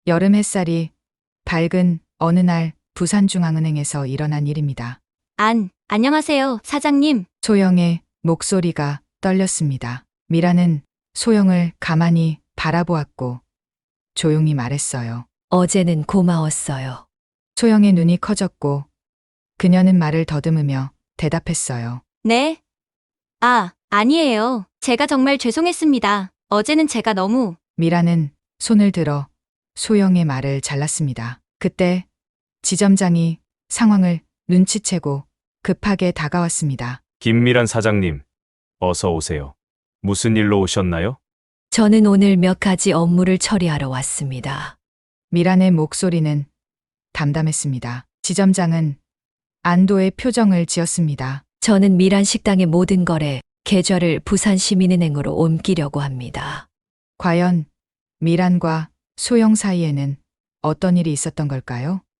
여름 햇살이 밝은 어느 날 부산중앙은행에서 일어난 일입니다. 안녕하세요, 사장님. 소영의 목소리가 떨렸습니다. 미라는 소영을 가만히 바라보았고 조용히 말했어요. 어제는 고마웠어요. 소영의 눈이 커졌고 그녀는 말을 더듬으며 대답했어요. 네? 아니에요. 제가 정말 죄송했습니다. 어제는 제가 너무. 미라는 손을 들어 소영의 말을 잘랐습니다. 그때 지점장이 상황을 눈치채고 급하게 다가왔습니다. 김미란 사장님, 어서 오세요. 무슨 일로 오셨나요? 저는 오늘 몇 가지 업무를 처리하러 왔습니다. 미란의 목소리는 담담했습니다. 지점장은 안도의 표정을 지었습니다. 저는 미란 식당의 모든 거래, 계좌를 부산시민은행으로 옮기려고 합니다. 과연 미란과 소영 사이에는 어떤 일이 있었던 걸까요?